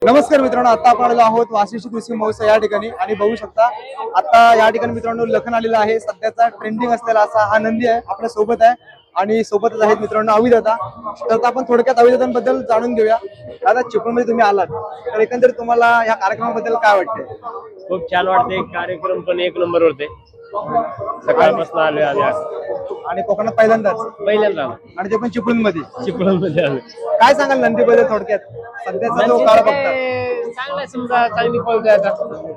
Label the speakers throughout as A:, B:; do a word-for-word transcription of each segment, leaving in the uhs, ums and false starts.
A: नमस्कार मित्रांनो, आता आपण आलेलो आहोत वाशिष्ठी कृषी महोत्सव या ठिकाणी आणि बघू शकता आता या ठिकाणी मित्रांनो लखन आलेला आहे. सध्याचा ट्रेंडिंग असलेला असा हा नंदी आहे आपल्या सोबत आहे आणि सोबतच आहेत मित्रांनो अविदादा. तर आता आपण थोडक्यात अविदादांबद्दल जाणून घेऊया. दादा, चिपळूणमध्ये तुम्ही आलात तर एकंदरीत तुम्हाला या कार्यक्रमाबद्दल काय वाटते?
B: खूप छान वाटते. कार्यक्रम पण एक नंबर होते. सकाळपासून आलोय आम्ही आज.
A: आणि कोकणात पहिल्यांदाच
B: पहिल्यांदा
A: आणि ते पण चिपळूणमध्ये.
B: चिपळूणमध्ये आलो.
A: काय सांगाल नंदीबद्दल थोडक्यात? सध्याचा जो काळ बघता
B: चांगला समजा चांगली पळतोय आता.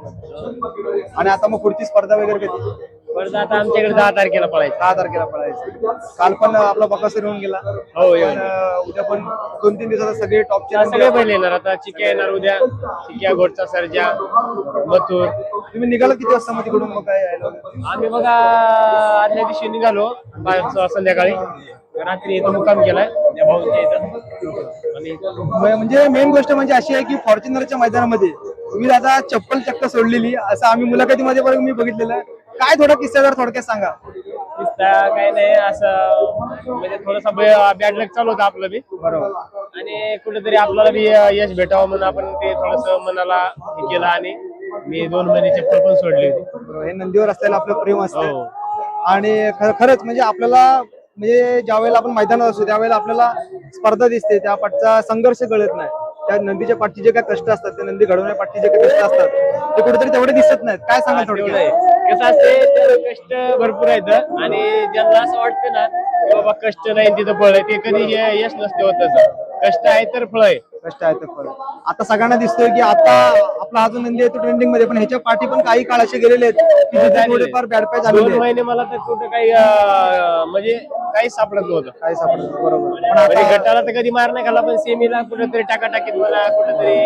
A: आणि आता मग पुढची स्पर्धा वगैरे कधी?
B: परत आता आमच्याकडे दहा तारखेला पळायचं.
A: दहा तारखेला पळायचं. काल पण आपला बकासूर येऊन गेला.
B: हो येऊन.
A: पण, अं, उद्या पण दोन तीन दिवसात सगळे टॉपचे
B: सगळे बैल येणार. आता चिक्या येणार उद्या. चिक्या, घोटचा सर्जा, मथुर.
A: तुम्ही निघाला किती वाजता मग तिकडून? मग काय यायला वगैरे?
B: आम्ही बघा आदल्या दिवशी निघालो पाच संध्याकाळी. रात्री इथं मुक्काम केलाय त्या भाऊंच्या इथं. आणि
A: म- म्हणजे मेन गोष्ट म्हणजे अशी आहे की फॉर्च्युनरच्या मैदानामध्ये तुम्ही दादा चप्पल चक्क सोडलेली असं आम्ही मुलाखतीमध्ये पण मी बघितलेलं आहे. काय थोडा किस्सा जर थोडक्यात सांगा.
B: किस्सा काय नाही असं म्हणजे थोडासा बॅड लक चालू होता आपलं बी.
A: बरोबर.
B: आणि कुठेतरी आपल्याला बी यश भेटावं म्हणून आपण ते थोडस मनाला हे केलं आणि मी दोन महिने चप्पल पण सोडली होती.
A: बरोबर. हे नंदीवर असलेलं आपलं प्रेम असतं.
B: हो.
A: आणि खर- खरंच म्हणजे आपल्याला म्हणजे ज्या वेळेला आपण मैदानात असतो त्यावेळेला आपल्याला स्पर्धा दिसते, त्या पाठचा संघर्ष कळत नाही. त्या नंदीच्या पाठची जे काही कष्ट असतात, ते नंदी घडवण्या पाठची जे काही कष्ट असतात ते कुठेतरी तेवढे दिसत नाहीत. काय सांगा
B: तेवढं
A: थोडक्यात?
B: आहे. कसं असते त्याला कष्ट भरपूर आहेत आणि ज्यांना असं वाटतं ना की बाबा कष्ट नाही तिथं फळ आहे, ते कधी हे यश नसते होत. तसं कष्ट आहे तर फळ आहे.
A: कष्ट आहे तर फळ. आता सगळ्यांना दिसतोय की आता आपला हा जो नंदी आहे तो ट्रेंडिंग मध्ये, पण ह्याच्या पाठी पण काही काळ असे गेलेले आहेत की जिथे थोडेफार बॅड पॅच
B: दोन
A: आलेले आहेत.
B: महिने मला तर कुठं काही अं, म्हणजे काहीच सापडत नव्हतं.
A: काही सापडत नाही. बरोबर. पण
B: म्हणजे
A: आता
B: गटाला तर कधी मार नाही खाला, पण सेमीला कुठेतरी टाकाटाकीत मला कुठेतरी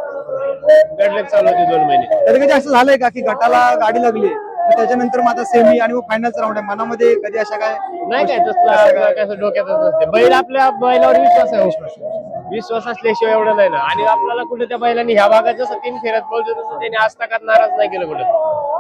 B: गडलक चालू होती दोन महिने.
A: कधी कधी असं झालंय का की गटाला गाडी लागली मग त्याच्यानंतर मग आता सेमी आणि मग फायनलचा राऊंड आहे, मनामध्ये कधी अशा काय?
B: नाही काय तसलं आपलं कसं डोक्यातच नसते. बैल आपल्या बैलावर विश्वास आहे. विश्वास असल्याशिवाय एवढं नाही ना. आणि आपल्याला कुठे त्या बैलांनी ह्या भागात जसं तीन फेऱ्यात बोलतो तसं त्यांनी आज तकात नाराज नाही केलं कुठं.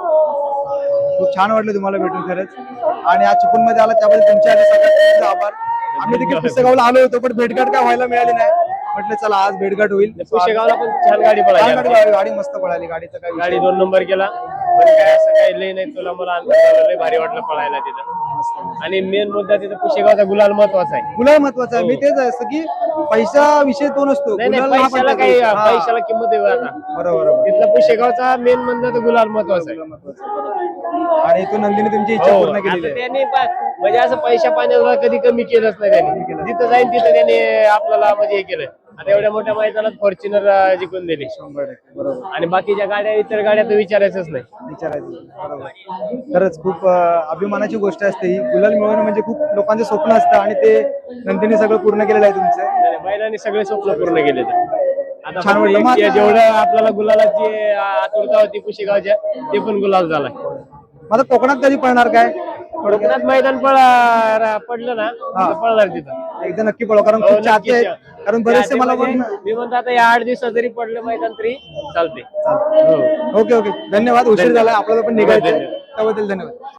A: खूप छान वाटलं तुम्हाला भेटून खरंच. आणि आज चिपळूण मध्ये आला त्याबद्दल तुमचे आणि सगळ्यांचे आभार. आम्ही देखील पुस्तकावला आलो होतो पण भेटगाठ काय व्हायला मिळाली नाही. म्हटलं चला आज भेटगाठ होईल.
B: पुशेगावला पण छान गाडी
A: छान
B: पळाली.
A: गाडी पळाली, गाडी मस्त पळाली. गाडीचं काय
B: गाडी
A: विषय
B: दोन नंबर केला. पण काय असं काही लय नाही. तुला मला अंतर लय भारी वाटलं पळायला तिथं. आणि मेन मुद्दा तिथं पुशेगावचा गुलाल महत्वाचा आहे.
A: नाही. गुलाल महत्वाचा आहे. मी तेच आहे असं की पैसा विषय तो नसतो.
B: नाही नाही,
A: गुलाल हा
B: पैशाला
A: पण
B: काही
A: महत्वाचा. हा.
B: पैशाला किंमत आहे आता.
A: बरोबर बरोबर.
B: तिथला पुशेगावचा मेन म्हणलं तर गुलाल महत्वाचा आहे.
A: गुलाल महत्वाचा आहे. बरोबर. आणि तो नंदीने तुमची इच्छा
B: हो,
A: पूर्ण केलेली
B: आता
A: आहे.
B: त्याने पा- म्हणजे असं पैशा पाण्याला कधी कमी केलंच नाही त्याने. जिथं जाईल तिथं त्याने आपल्याला म्हणजे हे केलं. आता एवढ्या मोठ्या मैदानात फॉर्च्युनर जिंकून दिली.
A: शंभर टक्के बरोबर.
B: आणि बाकीच्या गाड्या इतर गाड्या तर विचारायचंच नाही.
A: विचारायचं. बरोबर. खरंच खूप अं, अभिमानाची गोष्ट असते ही. गुलाल मिळवणं म्हणजे खूप लोकांचे स्वप्न असतं आणि ते नंदीने सगळं पूर्ण केलेलं आहे तुमचं.
B: नाही, बैलांनी सगळे स्वप्न पूर्ण केले. आता
A: छान
B: फक्त
A: वाटलं. मग
B: एक
A: आता-
B: जेवढं आपल्याला गुलालाची आतुरता होती पुशेगावच्या, ते पण गुलाल झालाय.
A: आता कोकणात कधी पळणार काय?
B: कोकणात मैदान पळ पडलं ना
A: हा.
B: तर पळणार तिथं.
A: एकदा नक्की पळव, कारण
B: हो,
A: खूप चाहते
B: नक्कीच.
A: आहेत. कारण बरेचसे मला
B: म्हणजे
A: पण
B: मी म्हणतो आता या आठ दिवसात जरी पडलं मैदान तरी चालते.
A: ओके ओके धन्यवाद. उशीर झाला, आपल्याला पण निघायचं.
B: धन्यवाद.
A: त्याबद्दल धन्यवाद.